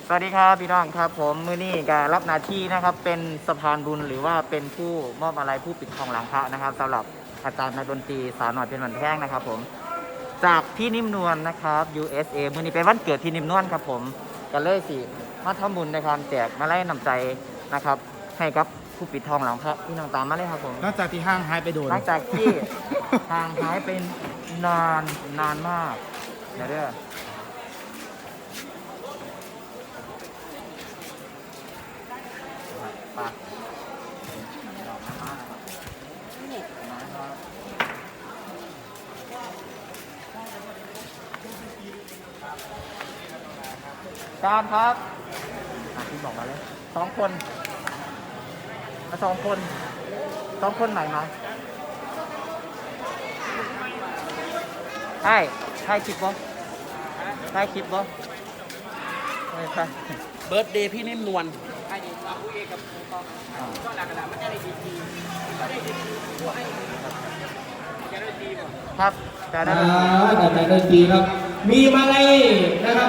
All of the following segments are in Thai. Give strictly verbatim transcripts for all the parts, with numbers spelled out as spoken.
สวัสดีครับพี่น้องครับผมมือนี้การรับหน้าที่นะครับเป็นสะพานบุญหรือว่าเป็นผู้มอบอะไรผู้ปิดทองหลังพระนะครับสำหรับอาจารย์นักดนตรีสาวหน่อยเป็นวันแท่งนะครับผมจากพี่นิ่มนวลนะครับ ยู เอส เอ มือนี้เป็นวันเกิดพี่นิ่มนวลครับผมกันเลยสิมาทำบุญในการแจกมาไล่นำใจนะครับให้กับผู้ปิดทองหลังพระพี่น้องตามมาเลยครับผมนอกจากที่ห้างหายไปโดนหลังจากที่ทางหายเป็นนานนานมากเดี๋ยวเด้อปะการครับพี่บอกมาเลยสองคนมาสองคนสองคนใหม่มาใช่ใช่คลิปบ่ใช่คลิปบ่ไม่ใช่เบิร์ดเดย์พี่นิ่มนวลครับแต่ได้อ่าแต่แต่ดนตรีครับ มีมาลัยนะครับ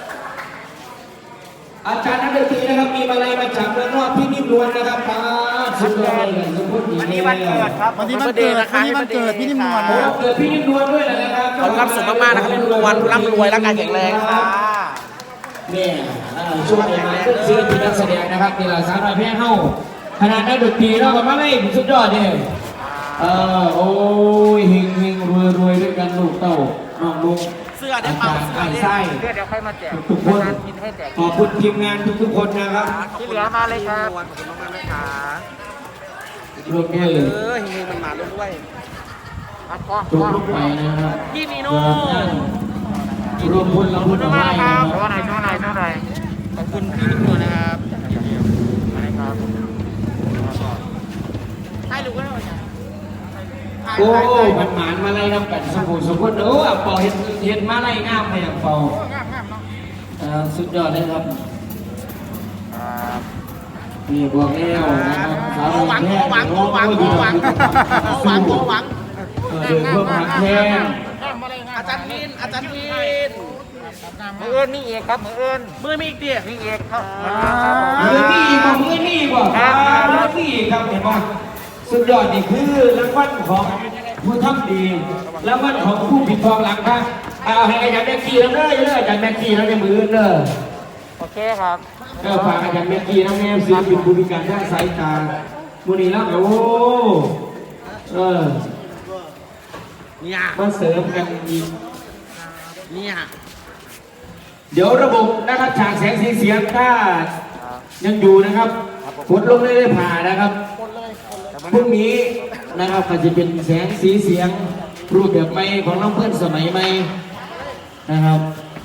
อาจารย์นักดนตรีนะครับ มีมาลัยมาจากเมืองนอกพี่นิ่มนวลนะครับมาสุดยอดเลยสุดยอดวันนี้วันเกิดครับวันนี้วันเกิดวันนี้วันเกิดพี่นิ่มนวลโอ้เกิดพี่นิ่มนวลด้วยนะครับขอความสุขมากๆนะครับพี่นิ่มนวลร่ำรวยร่างกายแข็งแรงครับเนี่ยช่วงนี้มาขึ้นศิลปินนักแสดงนะครับนี่แหละสาวน้อยแพ้เฮ้าขนาดนักดนตรีเราก็มาเลยสุดยอดเนี่ยเออโอ้ยเฮงเฮงรวยรวยด้วยกันลูกเต้าน้องลุงเสื้อได้เปล่าเสื้อไอ้ได้ไส้เดี๋ยวเดี๋ยวค่อยมาแจกทุกคนงานกินให้แจกขอบคุณทีมงานทุกๆคนนะครับที่เหลือมาเลยครับขอบคุณมากๆนะคะรวมด้วยเออเฮงๆมันมาด้วยมาคล้องจบลงไปนะครับพี่นีโน่รวมพลเราพูดขอบมาคุณมากให้คนะรับครับช่วยหน่อยช่วยหน่อยช่วยหน่อยขอบคุณพี่นิ่มนวลนะครับมาเลยครับให้ลูกก็ได้โอ้มันหมานมาไล่น้ำกันสมบูรณ์สมบูรณ์โอ้เป่าเห็นเห็นมาไล่งามไปอย่างเป่าสุดยอดเลยครับครับนี่บวกแล้วนะครับสาวโอหวังแค่โอหวังโอหวังโอหวังโอหวังโอหวังเดือดเพื่อมาแค่อาจารย์พินอาจารย์พินมือเอื้นมีเอกครับมือเอื้นมือมีอีกเดียมีเอกครับมือนี่อีกมือนี่อีกบ่มือนี่อีกครับเห็นป่ะสุดยอดนี่คือรางวัลของผู้ทำดีรางวัลของผู้ผิดทองหลังครับเอาให้อาจารย์แม็กกี้แล้วเลยเลยอาจารย์แม็กกี้แล้วในมือเลยโอเคครับก็ฝากอาจารย์แม็กกี้น้องแอมศิลปินผู้พิการทางสายตามูนีแล้วโอ้เออเนี่ยมาเสริมกันอีกเนี่ยเดี๋ยวระบบนะครับฉากแสงสีเสียงถ้ายังอยู่นะครับฝนลงเลยได้ผ่านะครับพรุ่งนี้นะครับก็จะเป็นแสงสีเสียงรูปแบบใหม่ของน้องเพื่อนสมัยใหม่นะครับ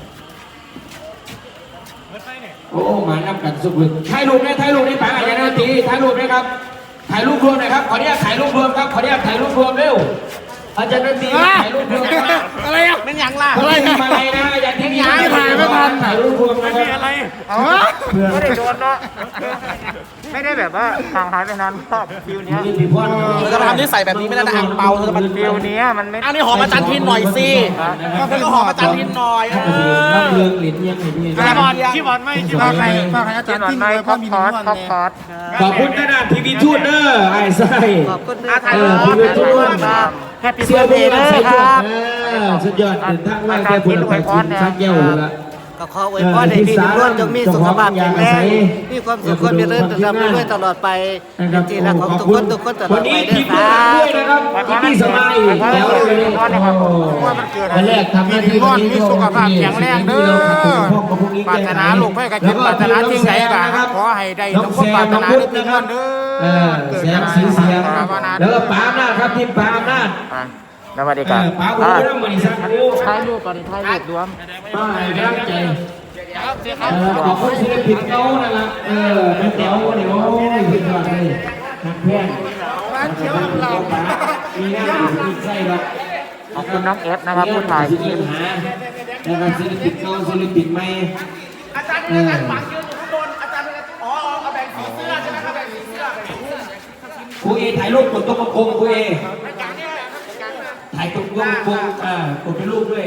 โอ้มานับกันสุดเลยถ่ายรูปได้ถ่ายรูปได้ป่าอาจารย์นาทีถ่ายรูปได้ครับถ่ายรูปรวมหน่อยครับขออนุญาตถ่ายรูปรวมครับขออนุญาตถ่ายรูปรวมเร็วอาจารย์นาทีถ่ายรูปรวมครับอะไรอ่ะเป็นยังล่ะอะไรมาอะไรนะอาจารย์ที่นี่ถ่ายไม่ทันถ่ายรูปรวมนะครับอะไรเอาไม่ได้โดนเนาะไม่ได้แบบว่าห่างหายไปนานชอบฟิวเนี้ยมีพ่อเราจะมาทำนิสัยแบบนี้ไม่ได้นะอ่างเปาเราจะมาฟิวเนี้ยมันไม่อันนี้หอมอาจารย์พินหน่อยสิแล้วก็หอมอาจารย์พินหน่อยเอน้ำอเลืองหลินยังไงพี่พี่บอลพี่บอลไม่พี่บอลไม่ฝากให้อาจารย์นอนทิ้งไม่เลยคเพอราะปมีคอนิ่ร์มสนวลคอปเนี่ยคอร์สขอบคุณขนาดทีวีทูดเนอร์ไอ้ไส้ขอบคุณอาถ่ายเอรูอปทีวีทูดแฮปปี้เสื้เบิอร์ดเบเดย์ย์นะเลยใส่คชุดรับสุดยอดเดินทางไล่แค่พลไปกินชักเย้าละก็ขออวยพรให้พี่ทุกคนจงมีสุขภาพแข็งแรงมีความสุขความเจริญร่ำรวยตลอดไปเป็นที่รักของทุกคนทุกคนตลอวัดนไปนี้เด้ทีอมคด้รัวยบนะครับทีมพี่สมัยแล้วเลยวันแรกทำหน้าที่พี่มีสุขภาพแข็งแรงเด้อปรารถนาลูกให้กับคิดปรารถนาสิ่งใดก็ขอให้ได้ทุกคนปรารถนาได้พี่นวลเด้เอออแสงสีเสียงแล้วก็ปาอำนาจครับทีมปาอำนาจสวัสดีครับปาบุญเรื่องบริษัทกูถ่ายรูปก่อนถ่ายรูปรวมป้าให้กำลังใจขอบคุณศิลปินเขานั่นละเออแม่แต๋วเนี่ยโอ้ยสุดยอดเลยนักเพื่อนร้านเขียวเรามีงานมีไส้หรอกขอบคุณน้องเอฟนะครับผู้ถ่ายคลิปนะครับศิลปินเขาศิลปินใหม่อาจารย์เป็นอาจารย์หวังยืนอยู่ข้างบนอาจารย์เป็นอ๋อเอาแบ่งสีเสื้อใช่ไหมครับแบ่งสีเสื้อแบ่งสีเสื้อครูเอถ่ายรูปกดตัวกระโปรงครูเอถ่ายตรงตัวกระโปรงอ่ากดเป็นรูปด้วย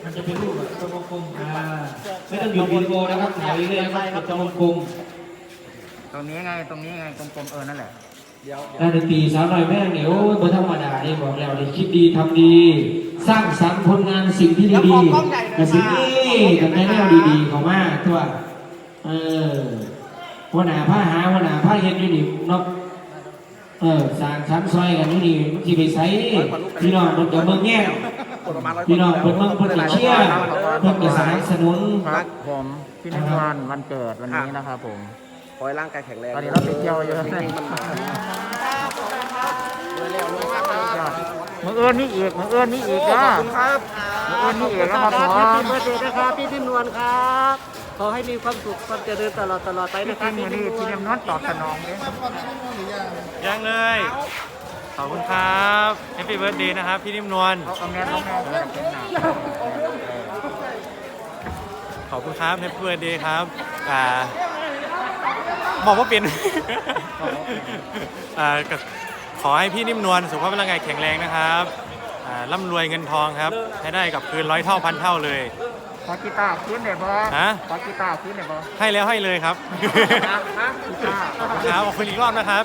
มันจะเป็นรูปแบบตัววงกลมอ่าไม่ต้องหยุดวิดีโอนะครับถ่ายเรื่อยๆนะครับตัววงกลมตรงนี้ไงตรงนี้ไงกลมๆเออนั่นแหละด้านดนตรีสาวน้อยแม่งเนี่ยโอ้ยบนธรรมดานี่บอกแล้วนี่คิดดีทำดี สร้างสรรค์ผลงานสิ่งที่ดีๆแต่สิ่งนี้กันในแนวดีๆเขามากทั่วเออหัวหน้าผ้าหาหัวหน้าผ้าเฮ็ดอยู่นี่เนาะเออสร้างชั้นซอยกันอยู่นี่มันสิไปใส่พี่น้องมันจะเบิ่งแง่พี่น้องเพิ่นเบิ่งเพิ่นจะเชียร์เพิ่นจะสนับสนุนครับผมพี่นิพนธ์วันเกิดวันนี้นะครับผมขอให้ร่างกายแข็งแรงตอนนี้เราไปเที่ยวเยอะเลยมันมามือเอื้อนนี่อีกมือเอื้อนนี่อีกนะขอบคุณครับมือเอื้อนนี่อีกนะครับผมแฮปปี้เบิร์ดเดย์นะครับพี่นิ่มนวลครับขอให้มีความสุขความเจริญตลอดตลอดไปพี่นะคกิรับนมืพี่อนิ่นี่มนพี่วลเนมนวลตอบสนองเลยยังเลย ขอบคุณครับแฮปปี้เบิร์ดเดย์นะครับ พี่นิ่มนวลเขาเอาแม่ต้องแม่เออเป็นหนักขอบคุณครับแฮปปี้เบิร์ดเดย์ครับอ่าบอกว่าเป็น อ่าก็ขอให้พี่นิ่มนวลสุขภาพร่างกายแข็งแรงนะครับอ่าร่ำรวยเงินทองครับ ให้ได้กับคืนร้อยเท่าพันเท่าเลยขอกีตาร์ขึ้นได้บ่ฮะขอกีตาร์ขึ้นได้บ่ให้แล้วให้เลยครับกีตาร์ขอบคุณครับขอบคุณอีกรอบนะครับ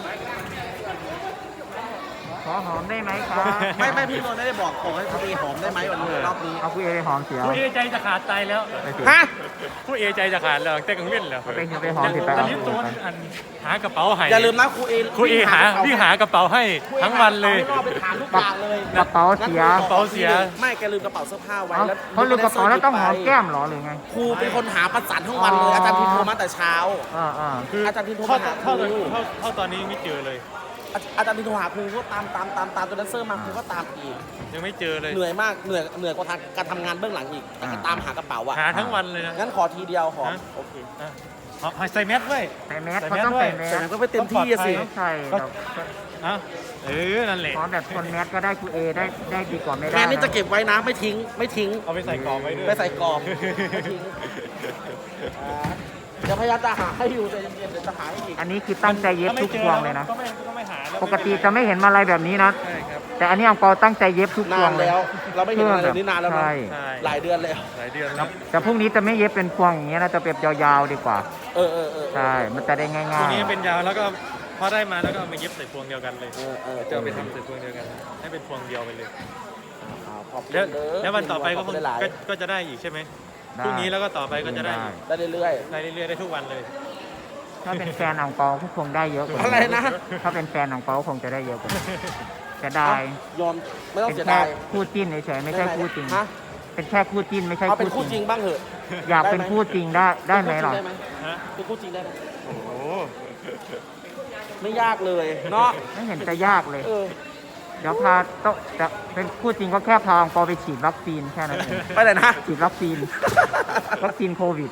ขอหอมได้ไหมครับไม่ไม่พี่นนท์ไม่ได้บอกขอให้เขาตีหอมได้ไหมวันนี้รอบนี้เอาคุยไปหอมเสียวผู้เอใจจะขาดใจแล้วไปสิฮะผู้เอใจจะขาดแล้วแต่กังเว้นแล้วไปไปหอมสิไปตอนเอานี้ตัวอันหากระเป๋าให้อย่าลืมนะครูเอครูเอหาวิ่งหากระเป๋าให้ทั้งวันเลยรอบไปถามทุกอย่างเลยกระเป๋าเสียกระเป๋าเสียไม่แกลืมกระเป๋าเสื้อผ้าไว้เอาแล้วเขาลืมกระเป๋าแล้วต้องหอมแก้มเหรอหรือไงครูเป็นคนหาประสานทั้งวันเลยอาจารย์พิมพ์โทรมาแต่เช้าอ่าอ่าคืออาจารย์พิมพ์โทรเท่ามาหาคเท่ารูเท่าเท่าตอนนี้ยังไม่เจอเลยอาอาจารย์พิมพ์โทรหาครูก็ตามตามตามตามจนแดนเซอร์มาครูก็ตามอีกยังไม่เจอเลยเหนื่อยมากเหนื่อยเหนื่อยกว่าทางการทำงานเบื้องหลังอีกแต่ก็ตามหากระเป๋าอ่ะหาทั้งวันเลยนะงั้นขอทีเดียวขอฮะโอเคอ่ะเอาเอาใส่แมสด้วยใส่แมสเขาต้องใส่แมสแต่ก็ไม่เต็มที่อะสิต้องใส่แบบอ่ะเออนั่นแหละขอแบบคนแมสก็ได้ครูเอได้ได้ดีกว่าไม่ได้แม่นี่นะจะเก็บไว้นะไม่ทิ้งไม่ทิ้งเอาไปใส่กรอบไว้ด้วยไม่ใส่กรอบไม่ทิ้งอ่าเดี๋ยวพยายามจะหาให้อยู่ใจเย็นๆเดี๋ยวจะหาให้อีกอันนี้คือตั้งใจเย็บทุกพวงเลยนะก็ไม่ก็ไม่หาแล้วปกติจะไม่เห็นมาอะไรแบบนี้นะใช่ครับแต่อันนี้อังเปาตั้งใจเย็บทุกพนาวงนเลยแล้ว เราไม่เห็นอะไรแบบนี้นานแล้วนะใช่ใช่หลายเดือนแล้วหลายเดือนคแล้รัวบแต่พรุ่งนี้จะไม่เย็บเป็นพวงอย่างเงี้ยนะจะเป็นยาวๆดีกว่าเออเออเออใช่ มันจะได้ง่ายตรงนี้เป็นยาวแล้วก็พอได้มาแล้วก็เอามาเย็บใส่พวงเดียวกันเลยเออเออจะเอาไปทำใส่พวงเดียวกัน ให้เป็นพวงเดียวไปเลยขอบคุณแล้วเด้อแล้ววันต่อไปก็คงขบคุณหลายก็ก็จะได้อีกใช่ไหมๆพรุ่งนี้แล้วก็ต่อไปก็จะได้อีกได้เรื่อยได้เรื่อยๆได้ทุกวันเลยถ้าเป็นแฟนอังเปาก็คงได้เยอะกว่าอะไรนะถ้าเป็นแฟนอังเปาคงจะได้เยอะกว่านี้จะได้ๆยอมไม่ต้องเป็นเสียแค่ดายคู่จิ้นเฉยๆไม่ใช่คู่จริงฮะเป็นแค่คู่จิ้นไม่ใช่เอาเป็นคู่คู่จจริริงงบ้างเหอะอยากเป็นคู่จริงได้ได้ไหมหรอเป็นฮะคู่จริงได้ไหมโอ้โหไม่ยากเลยเนาะไม่เห็นจะยากเลยเออเดี๋ยวพาโตะจะเป็นคู่จริงก็แค่พาอังเปาไปฉีดวัคซีนแค่นั้นเองไปไหนนะฉีดวัคซีน วัคซีนโควิด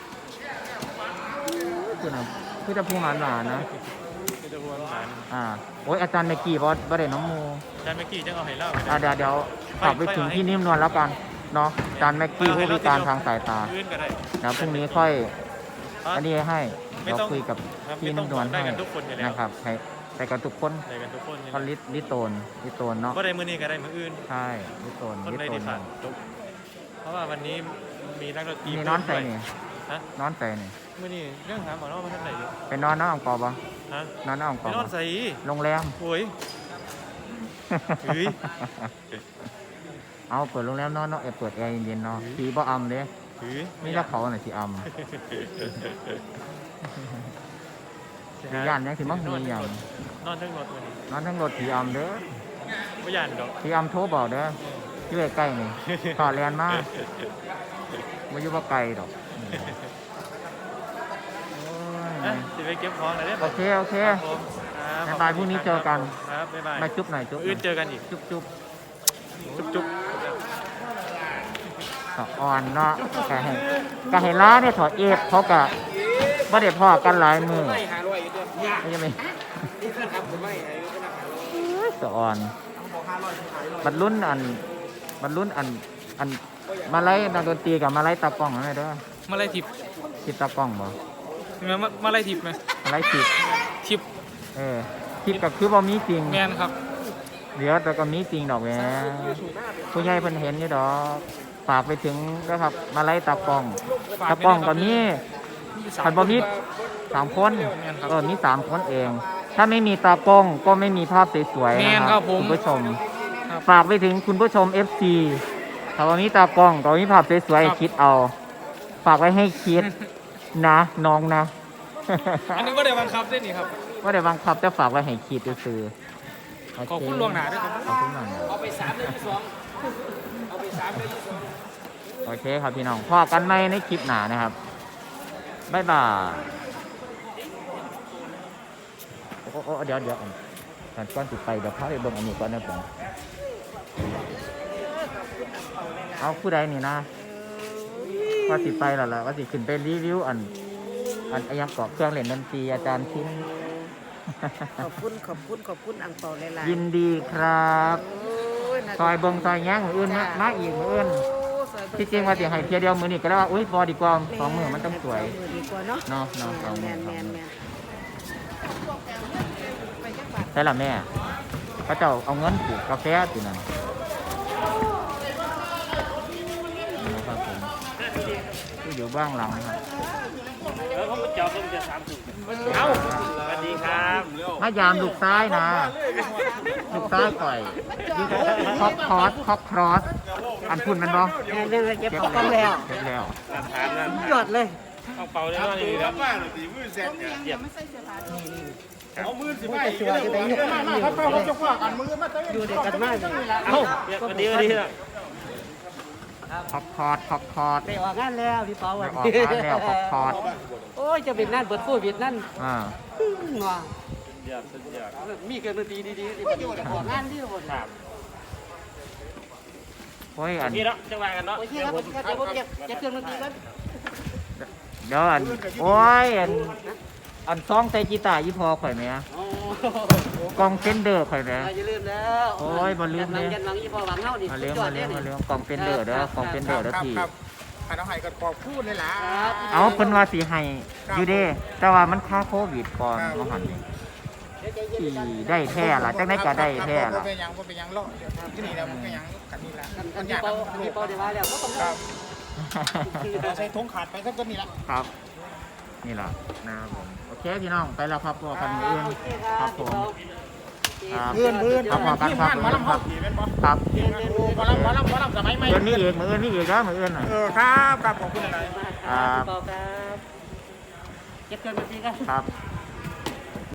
คือนะคือจะพูดหวานหวานๆนะไม่ได้วนหวานอ่า โอ้ยอาจารย์เมกกี้บอสบอสเดน้องมูอาจารย์เมื่อกี้จังเอาให้เล่าไปอ่าเดี๋ยวเดี๋ยวฝากไปถึงพี่นิ่มนวลแล้วกัน เนาะอาจารย์เมกกี้ผู้พิการทางสายตาพื้นก็ได้เดี๋ยวพรุ่งนี้ค่อย อันนี้ให้ไม่เราต้องคุยกับครับพี่ไม่ต้นิ่องมนวลได้ให้กันทุกคนอยู่แล้วนะครับให้ไปกันทุกคนได้กันทุกคนก็ลิลิโตนลิโตนเนาะก็ได้มือนี้ก็ได้มืออื่นใช่ลิโตนคนลิได้โตดีนขาดจบเพราะว่าวันนี้มีนักดนตรีนี่นอนใส่นี่ฮะนอนใส่นี่มื่อนี้เรื่องหาหมอนอกมาท่านไหนอยู่ไปนอนน้าอังเปาปะฮะนอนน้าอังไปเปานอนใส่โรงแรมโอ้ย เฮ้ยเอาเปิดโรงแรมนอนเนาะเออเปิดแอร์เย็นๆเนาะสีบ่อำเด้เฮ้ยนี่ถ้าเขาน่ะสีอำสีย่านยังสิมั่งมีอย่างนอนทั้งรถวันนี้นอนทั้งรถสีอำเด้อไม่ยานดอกสีอำโทรบอกเด้อที่ใกล้ๆนี่ต่อแลนมากไม่อยู่ว่าไกลดอกโอ้อ่ะยสิไปเก็บของหน่อยได้โอเคโอเคครับผมครับบ๊ายบายพรุ่งนี้เจอกันครับบ๊ายบายมาจุ๊บหน่อยจุ๊บหน่อื่อน ยเจอกันอีกจุ๊บจุ๊บจุ๊บจุ๊บก็อ่อนเนาะกะเห็นกะเห็นล้าเนี่ยถอดเอฟเขากะบ่ได้พอกันหลายมือไม่ใช่ไหมสะอ่อนบรรลุนอันบรรลุนอันอันมาไล่นักดนตรีกับมาไล่ตากล้องอะไรเด้อมาไล่ทิปทิปตากล้องบ่มามามาไล่ทิปไหมมาไล่ทิปทิปเออทิปก็คือบ่มีจริงแมนครับเหลือแต่ก็มีจริงดอกแหมผู้ใหญ่เพิ่นเห็นอยู่ดอกฝากไปถึงนะครับมาไล่ตากล้องตากล้องก็มีขันบอมีสามคนเออมีสามคนเอง ถ้าไม่มีตากล้องก็ไม่มีภาพสวยๆแมนะนคครัรับบผมคุณผู้ชมฝากไปถึงคุณผู้ชม เอฟ ซี ถ้าวันนี้ตากล้องก็มีภาพสวยๆให้คิดเอา ฝากไว้ให้คิดนะน้องนะอันนี้ก็ได้บังคับด้วยนี่ครับว่าเดี๋ยวบังคับจะฝากไว้ให้คิดซื้อโเขอบคุณล่วงหน้าด้วยครับขอบคุณหน่อยเอาไปสามเลยที่สองเอาไปสามเลยที่สองโอเคครับพี่น้องพอกันไหมในคลิปหนานะครับบ๊ายบายโอ้โอ้เดี๋ยวเดี๋ยวก่อนก่อนติดไปเดี๋ยวพาไปเบิ่งอันนี้ก่อนนะผมเอาผู้ใดนี่นะว่าติดไปแล้วล่ะว่าติขึ้นไปรีวิวอันอันอายังเกาะเครื่องเล่นดนตรีอาจารย์ทิ้งขอบคุณขอบคุณขอบคุณอังเปาหลายๆยินดีครับโอ้ยน่าซอยเบิ่งซอยแย้งมืออื่นมามาอีกมืออื่นโอ้ซอยเบิ่ที่จริงว่าสิให้เพียเดียวมือนี่ก็แล้วว่าอุ้ยพอดีกว่าสองมือมันต้องสวยมือดีกว่าเนาะเนาะเนาะสองแมมือน สแมองนมืแมอน ใช่ละแม่เขาเจ้าเอาเงินปลูกกาแฟสินั่นนะครับผมที่อยู่เบ้างหลังนะครับเอาสวัสดีครับมายามลูกซ้ายนะ ลูกซ้ายปล่อยคอกคอสคอกครอสอันพุ่นมันบ่แม่เรื่องเก็บของต้องแล้วเก็บแล้วยอดเลยเอามือสิไปอยู่มามาเขาเข้าเขาจะคว้ากันมือมาเต้นอยู่ด้วยกันมากเลยเอาวันนี้วันนี้คอกคอสคอกคอสไปออกงานแล้วพี่เปาวันไปออกงานแล้วขอบคอร์สโอ้ยจะเป็นนั่นเปิดโควิดนั่นอ่าว้ามีเกินดนตรีดีๆที่มันอยู่ออกงานที่หมดครับโอ้ยอันนี่เนาะจะว่ากันเนาะโอเคครับผมครับเดี๋ยวผมเก็บเก็บเครื่องดนตรีกันเดี๋ยวอันโอ้ยอันอันซองใส่กีตาร์ยี่พอข่อยไหมอะโอ้กองเฟนเดอร์ข่อยไหมอย่าลืมแล้วโอ้ยบ่ลืมเลยยันหลังยี่พอหวังเฮานี่มาเลี้ยงมาเลี้ยงมาเลี้ยงกองเฟนเดอร์เด้อกองเฟนเดอร์เด้อพี่ให้น้องไห้กันปอกพูดเลยล่ะครับเอาเพิ่นว่าสิให้อยู่เด้ แต่ว่ามันค่าโควิดก่อนบ่หันนี่ที่ได้แท้ล่ะจังได๋ก็ได้แท้ล่ะเป็นยังเป็นยังโลกที่นี่แล้วมันก็ยังกันนี่ละกันมันอยี่ยากพอยี่พอได้มาแล้วก็ต้องครับใช้ทงขาดไปสักต้นนี่ละครับ นี่ล่ะนะครับผมโอเคพี่น้องไปแล้วครับพอกันมื้ออื่นครับผมครับเพื่อนเพื่อนครับพอกันครับมาลำคเขารับขี่เป็นบ่ครับมาลำมาลำมาลำสมัยใหม่มื้อนี้อีกมื้ออื่นนี่อีกแล้วมื้ออื่นน่ะเออครับครับขอบคุณอะไรครับพี่เปาครับเก็บเครื่องดนตรีกันครับ